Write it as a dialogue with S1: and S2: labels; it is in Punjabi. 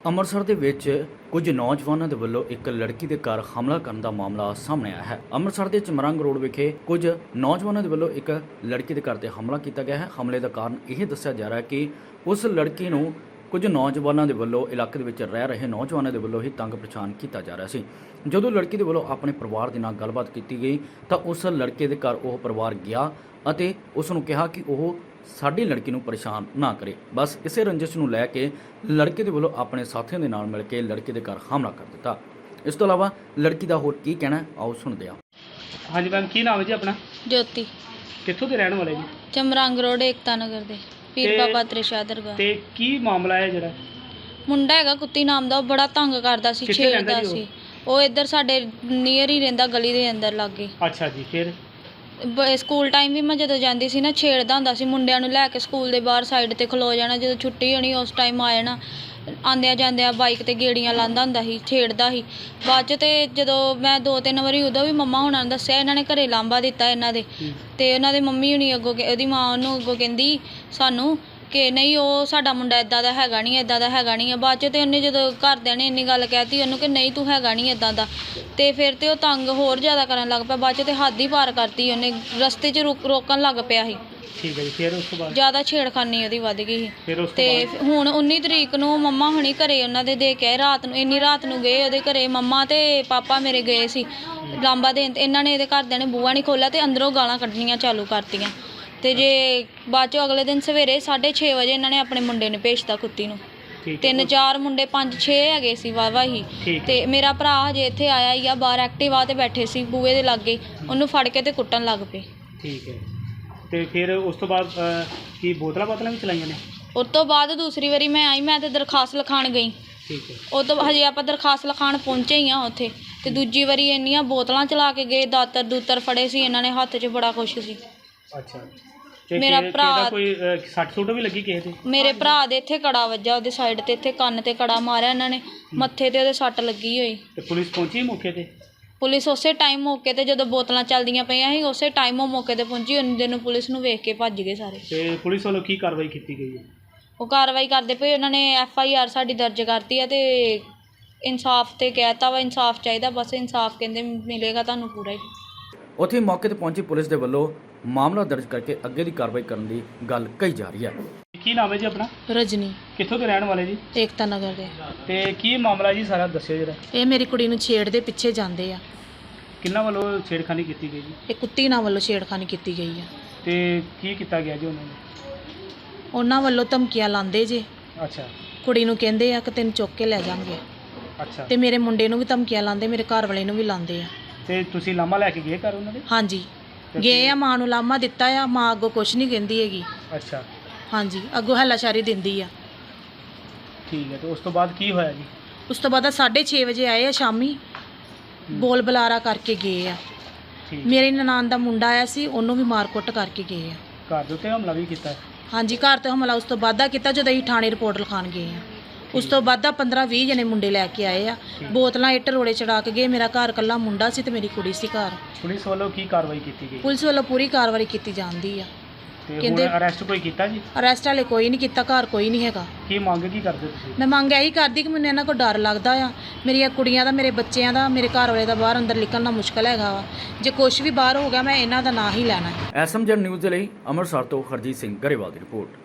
S1: ਅੰਮ੍ਰਿਤਸਰ ਦੇ ਵਿੱਚ ਕੁਝ ਨੌਜਵਾਨਾਂ ਦੇ ਵੱਲੋਂ ਇੱਕ ਲੜਕੀ ਦੇ ਘਰ ਹਮਲਾ ਕਰਨ ਦਾ ਮਾਮਲਾ ਸਾਹਮਣੇ ਆਇਆ ਹੈ। ਅੰਮ੍ਰਿਤਸਰ ਦੇ ਚਮਰੰਗ ਰੋਡ ਵਿਖੇ ਕੁਝ ਨੌਜਵਾਨਾਂ ਦੇ ਵੱਲੋਂ ਇੱਕ ਲੜਕੀ ਦੇ ਘਰ ਤੇ ਹਮਲਾ ਕੀਤਾ ਗਿਆ ਹੈ। ਹਮਲੇ ਦਾ ਕਾਰਨ ਇਹ ਦੱਸਿਆ ਜਾ ਰਿਹਾ ਹੈ ਕਿ ਉਸ ਲੜਕੀ ਨੂੰ ਕੁਝ ਨੌਜਵਾਨਾਂ ਦੇ ਵੱਲੋਂ ਇਲਾਕੇ ਦੇ ਵਿੱਚ ਰਹਿ ਰਹੇ ਨੌਜਵਾਨਾਂ ਦੇ ਵੱਲੋਂ ਹੀ ਤੰਗ ਪਰੇਸ਼ਾਨ ਕੀਤਾ ਜਾ ਰਿਹਾ ਸੀ। ਜਦੋਂ ਲੜਕੀ ਦੇ ਵੱਲੋਂ ਆਪਣੇ ਪਰਿਵਾਰ ਦੇ ਨਾਲ ਗੱਲਬਾਤ ਕੀਤੀ ਗਈ ਤਾਂ ਉਸ ਲੜਕੇ ਦੇ ਘਰ ਉਹ ਪਰਿਵਾਰ ਗਿਆ ਅਤੇ ਉਸ ਨੂੰ ਕਿਹਾ ਕਿ ਉਹ ਸਾਡੀ ਲੜਕੀ ਨੂੰ ਪਰੇਸ਼ਾਨ ਨਾ ਕਰੇ। ਬਸ ਇਸੇ ਰੰਜਿਸ਼ ਨੂੰ ਲੈ ਕੇ ਲੜਕੇ ਦੇ ਵੱਲੋਂ ਆਪਣੇ ਸਾਥੀਆਂ ਦੇ ਨਾਲ ਮਿਲ ਕੇ ਲੜਕੇ ਦੇ ਘਰ ਹਮਲਾ ਕਰ ਦਿੱਤਾ। ਇਸ ਤੋਂ ਇਲਾਵਾ ਲੜਕੀ ਦਾ ਹੋਰ ਕੀ ਕਹਿਣਾ ਆਓ ਸੁਣਦੇ ਹਾਂ।
S2: ਹਾਂਜੀ ਮੈਮ, ਕੀ ਨਾਮ ਹੈ ਜੀ ਆਪਣਾ?
S3: ਜੋਤੀ,
S2: ਕਿੱਥੋਂ ਦੇ ਰਹਿਣ ਵਾਲੇ ਜੀ?
S3: ਚਮਰੰਗ ਰੋਡ ਏਕਤਾ ਨਗਰ ਦੇ ਪੀਰ ਬਾਬਾ ਤ੍ਰਿਸ਼ਾ ਦਰਗਾਹ।
S2: ਤੇ ਕੀ ਮਾਮਲਾ ਹੈ ਜਿਹੜਾ?
S3: ਮੁੰਡਾ ਹੈਗਾ ਕੁੱਤੀ ਨਾਮ ਦਾ, ਉਹ ਬੜਾ ਤੰਗ ਕਰਦਾ ਸੀ,
S2: ਕਿੱਥੇ ਰਹਿੰਦਾ
S3: ਛੇੜਦਾ
S2: ਜੀ
S3: ਸੀ। ਉਹ ਇੱਧਰ ਸਾਡੇ ਨੀਅਰ ਹੀ ਰਹਿੰਦਾ, ਗਲੀ ਦੇ ਅੰਦਰ ਲਾਗੇ।
S2: ਅੱਛਾ ਜੀ, ਫਿਰ?
S3: ਸਕੂਲ ਟਾਈਮ ਵੀ ਮੈਂ ਜਦੋਂ ਜਾਂਦੀ ਸੀ ਨਾ, ਛੇੜਦਾ ਹੁੰਦਾ ਸੀ ਮੁੰਡਿਆਂ ਨੂੰ ਲੈ ਕੇ ਸਕੂਲ ਦੇ ਬਾਹਰ ਸਾਈਡ ਤੇ ਖਲੋ ਜਾਣਾ। ਜਦੋਂ ਛੁੱਟੀ ਹੋਣੀ ਉਸ ਟਾਈਮ ਆ ਜਾਣਾ, ਆਉਂਦਿਆਂ ਜਾਂਦਿਆਂ ਬਾਈਕ ਤੇ ਗੇੜੀਆਂ ਲਾਉਂਦਾ ਹੁੰਦਾ ਸੀ, ਛੇੜਦਾ ਸੀ। ਬਾਅਦ 'ਚ ਤੇ ਜਦੋਂ ਮੈਂ 2-3 ਵਾਰੀ ਉਦੋਂ ਵੀ ਮੰਮਾ ਹੁਣਾਂ ਨੂੰ ਦੱਸਿਆ, ਇਹਨਾਂ ਨੇ ਘਰੇ ਲਾਂਭਾ ਦਿੱਤਾ ਇਹਨਾਂ ਦੇ। ਤੇ ਉਹਨਾਂ ਦੇ ਮੰਮੀ ਹੁਣੀ ਅੱਗੋਂ, ਉਹਦੀ ਮਾਂ ਉਹਨੂੰ ਅੱਗੋਂ ਕਹਿੰਦੀ ਸਾਨੂੰ ਕਿ ਨਹੀਂ ਉਹ ਸਾਡਾ ਮੁੰਡਾ ਇੱਦਾਂ ਦਾ ਹੈਗਾ ਨਹੀਂ, ਇੱਦਾਂ ਦਾ ਹੈਗਾ ਨਹੀਂ ਆ। ਬਾਅਦ 'ਚ ਤੇ ਉਹਨੇ ਜਦੋਂ ਘਰਦਿਆਂ ਨੇ ਇੰਨੀ ਗੱਲ ਕਹਿਤੀ ਉਹਨੂੰ ਕਿ ਨਹੀਂ ਤੂੰ ਹੈਗਾ ਨਹੀਂ ਇੱਦਾਂ ਦਾ, ਤੇ ਫਿਰ ਤੇ ਉਹ ਤੰਗ ਹੋਰ ਜ਼ਿਆਦਾ ਕਰਨ ਲੱਗ ਪਿਆ। ਬਾਅਦ 'ਚ ਤੇ ਹੱਦ ਹੀ ਪਾਰ ਕਰਤੀ ਉਹਨੇ, ਰਸਤੇ 'ਚ ਰੋਕਣ ਲੱਗ ਪਿਆ ਸੀ।
S2: ਠੀਕ ਹੈ ਜੀ, ਫਿਰ ਉਸ ਤੋਂ ਬਾਅਦ?
S3: ਜ਼ਿਆਦਾ ਛੇੜਖਾਨੀ ਉਹਦੀ ਵੱਧ ਗਈ ਸੀ।
S2: ਫਿਰ ਉਸ ਤੋਂ
S3: ਤੇ
S2: ਬਾਅਦ?
S3: ਹੁਣ 19 ਤਰੀਕ ਨੂੰ ਮੰਮਾ ਹੁਣੀ ਘਰੇ ਉਹਨਾਂ ਦੇ ਕੇ ਆਏ। ਰਾਤ ਨੂੰ, ਇੰਨੀ ਰਾਤ ਨੂੰ ਗਏ ਉਹਦੇ ਘਰੇ। ਮੰਮਾ ਤੇ ਪਾਪਾ ਮੇਰੇ ਗਏ ਸੀ ਲਾਂਬਾ ਦੇਣ, ਤੇ ਇਹਨਾਂ ਨੇ ਇਹਦੇ ਘਰਦਿਆਂ ਨੇ ਬੂਹਾ ਨਹੀਂ ਖੋਲ੍ਹਿਆ ਤੇ ਅੰਦਰੋਂ ਗਾਲਾਂ ਕੱਢਣੀਆਂ ਚਾਲੂ ਕਰਤੀਆਂ। ਤੇ ਜੇ ਬਾਅਦ 'ਚੋਂ ਅਗਲੇ ਦਿਨ ਸਵੇਰੇ 6:30 ਵਜੇ ਇਹਨਾਂ ਨੇ ਆਪਣੇ ਮੁੰਡੇ ਨੂੰ ਭੇਜਤਾ ਕੁੱਤੀ ਨੂੰ। 3-4 ਮੁੰਡੇ 5-6 ਹੈਗੇ ਸੀ ਵਾਹਵਾ ਹੀ। ਤੇ ਮੇਰਾ ਭਰਾ ਹਜੇ ਇੱਥੇ ਆਇਆ ਹੀ ਆ, ਬਾਹਰ ਐਕਟਿਵਾ ਤੇ ਬੈਠੇ ਸੀ ਬੂਹੇ ਦੇ ਲਾਗੇ, ਉਹਨੂੰ ਫੜ ਕੇ ਤੇ ਕੁੱਟਣ ਲੱਗ ਪਏ।
S2: ਠੀਕ ਹੈ, ਤੇ ਫਿਰ ਉਸ ਤੋਂ ਬਾਅਦ ਕੀ ਬੋਤਲਾਂ ਵੀ ਚਲਾਈਆਂ ਨੇ? ਉਸ
S3: ਤੋਂ ਬਾਅਦ ਦੂਸਰੀ ਵਾਰੀ ਮੈਂ ਆਈ, ਮੈਂ ਤੇ ਦਰਖਾਸਤ ਲਿਖਾਉਣ ਗਈ।
S2: ਠੀਕ ਹੈ,
S3: ਉਹ ਤੋਂ ਹਜੇ ਆਪਾਂ ਦਰਖਾਸਤ ਲਿਖਾਉਣ ਪਹੁੰਚੇ ਹੀ ਆ ਉੱਥੇ। ਤੇ ਦੂਜੀ ਵਾਰੀ ਇੰਨੀਆਂ ਬੋਤਲਾਂ ਚਲਾ ਕੇ ਗਏ, ਦਾਤਰ ਫੜੇ ਸੀ ਇਹਨਾਂ ਨੇ ਹੱਥ 'ਚ, ਬੜਾ ਕੁਛ ਸੀ।
S2: ਅੱਛਾ, ਤੇ
S3: ਮੇਰਾ ਭਰਾ,
S2: ਕੋਈ ਸੱਟ ਸੁੱਟ ਵੀ ਲੱਗੀ ਕਿਸੇ ਤੇ?
S3: ਮੇਰੇ ਭਰਾ ਦੇ ਇੱਥੇ ਕੜਾ ਵੱਜਾ, ਉਹਦੇ ਸਾਈਡ ਤੇ ਇੱਥੇ ਕੰਨ ਤੇ ਕੜਾ ਮਾਰਿਆ ਇਹਨਾਂ ਨੇ, ਮੱਥੇ ਤੇ ਉਹਦੇ ਸੱਟ ਲੱਗੀ ਹੋਈ।
S2: ਤੇ ਪੁਲਿਸ ਪਹੁੰਚੀ ਮੌਕੇ ਤੇ?
S3: ਪੁਲਿਸ ਉਸੇ ਟਾਈਮ ਮੌਕੇ ਤੇ, ਜਦੋਂ ਬੋਤਲਾਂ ਚੱਲਦੀਆਂ ਪਈਆਂ ਸੀ ਉਸੇ ਟਾਈਮ ਉਹ ਮੌਕੇ ਤੇ ਪਹੁੰਚੀ। ਉਹਨੇ ਦਿਨ ਨੂੰ ਪੁਲਿਸ ਨੂੰ ਵੇਖ ਕੇ ਭੱਜ ਗਏ ਸਾਰੇ।
S2: ਤੇ ਪੁਲਿਸ ਵੱਲੋਂ ਕੀ ਕਾਰਵਾਈ ਕੀਤੀ ਗਈ ਹੈ?
S3: ਉਹ ਕਾਰਵਾਈ ਕਰਦੇ ਪਏ, ਉਹਨਾਂ ਨੇ FIR ਸਾਡੀ ਦਰਜ ਕਰਤੀ ਆ ਤੇ ਇਨਸਾਫ ਤੇ ਕਹਿਤਾ ਵਾ, ਇਨਸਾਫ ਚਾਹੀਦਾ, ਬਸ ਇਨਸਾਫ ਕਹਿੰਦੇ ਮਿਲੇਗਾ ਤੁਹਾਨੂੰ ਪੂਰਾ ਹੀ।
S1: ਉੱਥੇ ਮੌਕੇ ਤੇ ਪਹੁੰਚੀ ਪੁਲਿਸ ਦੇ ਵੱਲੋਂ ਮਾਮਲਾ ਦਰਜ ਕਰਕੇ ਅੱਗੇ ਦੀ ਕਾਰਵਾਈ ਕਰਨ ਦੀ ਗੱਲ ਕਹੀ ਜਾ ਰਹੀ ਹੈ।
S2: ਕੀ ਨਾਮ ਹੈ ਜੀ ਆਪਣਾ?
S3: ਰਜਨੀ,
S2: ਕਿੱਥੋਂ ਦੇ ਰਹਿਣ ਵਾਲੇ ਜੀ?
S3: ਏਕਤਾ ਨਗਰ ਦੇ।
S2: ਤੇ ਕੀ ਮਾਮਲਾ ਜੀ ਸਾਰਾ ਦੱਸਿਓ ਜਰਾ।
S3: ਇਹ ਮੇਰੀ ਕੁੜੀ ਨੂੰ ਛੇੜਦੇ ਪਿੱਛੇ ਜਾਂਦੇ ਆ।
S2: ਕਿੰਨਾ ਵੱਲੋਂ ਛੇੜਖਾਨੀ ਕੀਤੀ ਗਈ ਜੀ?
S3: ਇਹ ਕੁੱਤੀ ਨਾਲ ਵੱਲੋਂ ਛੇੜਖਾਨੀ ਕੀਤੀ ਗਈ ਆ।
S2: ਤੇ ਕੀ ਕੀਤਾ ਗਿਆ ਜੀ ਉਹਨਾਂ ਨੇ?
S3: ਉਹਨਾਂ ਵੱਲੋਂ ਧਮਕੀਆਂ ਲਾਉਂਦੇ ਜੇ।
S2: ਅੱਛਾ,
S3: ਕੁੜੀ ਨੂੰ ਕਹਿੰਦੇ ਆ ਕਿ ਤੈਨੂੰ ਚੁੱਕ ਕੇ ਲੈ ਜਾਵਾਂਗੇ।
S2: ਅੱਛਾ,
S3: ਤੇ ਮੇਰੇ ਮੁੰਡੇ ਨੂੰ ਵੀ ਧਮਕੀਆਂ ਲਾਉਂਦੇ, ਮੇਰੇ ਘਰ ਵਾਲੇ ਨੂੰ ਵੀ ਲਾਉਂਦੇ ਆ।
S2: ਤੇ ਤੁਸੀਂ ਲਾਮਾ ਲੈ ਕੇ ਗਏ ਘਰ ਉਹਨਾਂ ਦੇ?
S3: ਹਾਂਜੀ ਗਏ ਆ, ਮਾਂ ਨੂੰ ਲਾਮਾ ਦਿੱਤਾ ਆ, ਮਾਂ ਅੱਗੋਂ ਕੁਛ ਨਹੀਂ ਕਹਿੰਦੀ ਹੈਗੀ।
S2: ਅੱਛਾ,
S3: ਹਾਂਜੀ, ਅੱਗੋਂ ਹੱਲਾਸ਼ਾਰੀ ਦਿੰਦੀ ਆ।
S2: ਠੀਕ ਹੈ, ਤੇ ਉਸ ਤੋਂ ਬਾਅਦ ਕੀ ਹੋਇਆ ਜੀ?
S3: ਉਸ ਤੋਂ ਬਾਅਦ 6:30 ਵਜੇ ਆਏ ਆ ਸ਼ਾਮੀ, ਬੋਲ ਬੁਲਾਰਾ ਕਰਕੇ ਗਏ ਆ।
S2: ਠੀਕ,
S3: ਮੇਰੇ ਨਨਾਣ ਦਾ ਮੁੰਡਾ ਆਇਆ ਸੀ, ਉਹਨੂੰ ਵੀ ਮਾਰ-ਕੁੱਟ ਕਰਕੇ ਗਏ ਆ।
S2: ਘਰ ਦੇ ਉੱਤੇ ਹਮਲਾ ਵੀ ਕੀਤਾ?
S3: ਹਾਂਜੀ, ਘਰ ਤੇ ਹਮਲਾ ਉਸ ਤੋਂ ਬਾਅਦ ਦਾ ਕੀਤਾ ਜਦੋਂ ਅਸੀਂ ਥਾਣੇ ਰਿਪੋਰਟ ਲਿਖਾਉਣ ਗਏ ਆ। ਉਸ ਤੋਂ ਬਾਅਦ ਦਾ 15-20 ਜਣੇ ਮੁੰਡੇ ਲੈ ਕੇ ਆਏ ਆ, ਬੋਤਲਾਂ ਇੱਟ ਰੋੜੇ ਚੜਾ ਕੇ ਗਏ। ਮੇਰਾ ਘਰ ਇਕੱਲਾ ਮੁੰਡਾ ਸੀ ਤੇ ਮੇਰੀ ਕੁੜੀ ਸੀ ਘਰ।
S2: ਪੁਲਿਸ ਵੱਲੋਂ ਕੀ ਕਾਰਵਾਈ ਕੀਤੀ ਗਈ?
S3: ਪੁਲਿਸ ਵੱਲੋਂ ਪੂਰੀ ਕਾਰਵਾਈ ਕੀਤੀ ਜਾਂਦੀ ਆ।
S2: ਤੇ
S3: ਕਹਿੰਦੇ
S2: ਹੁਣ ਅਰੈਸਟ ਕੋਈ ਕੀਤਾ ਜੀ?
S3: ਅਰੈਸਟ ਵਾਲੇ ਕੋਈ ਨਹੀਂ ਕੀਤਾ, ਘਰ ਕੋਈ ਨਹੀਂ ਹੈਗਾ।
S2: ਕੀ ਮੰਗ ਕੀ ਕਰਦੇ ਤੁਸੀਂ?
S3: ਮੈਂ ਮੰਗ ਇਹੀ ਕਰਦੀ ਕਿ ਮੈਨੂੰ ਇਹਨਾਂ ਕੋਲ ਡਰ ਲੱਗਦਾ ਆ, ਮੇਰੀਆਂ ਕੁੜੀਆਂ ਦਾ, ਮੇਰੇ ਬੱਚਿਆਂ ਦਾ, ਮੇਰੇ ਘਰ ਵਾਲੇ ਦਾ ਬਾਹਰ ਅੰਦਰ ਨਿਕਲਣਾ ਮੁਸ਼ਕਲ ਹੈਗਾ ਵਾ। ਜੇ ਕੁਛ ਵੀ ਬਾਹਰ ਹੋ ਗਿਆ ਮੈਂ ਇਹਨਾਂ ਦਾ ਨਾਂ ਹੀ ਲੈਣਾ ਹੈ।
S1: SMZ ਨਿਊਜ਼ ਦੇ ਲਈ ਅੰਮ੍ਰਿਤਸਰ ਤੋਂ ਹਰਜੀਤ ਸਿੰਘ ਗਰੇਵਾਲ ਦੀ ਰਿਪੋਰਟ।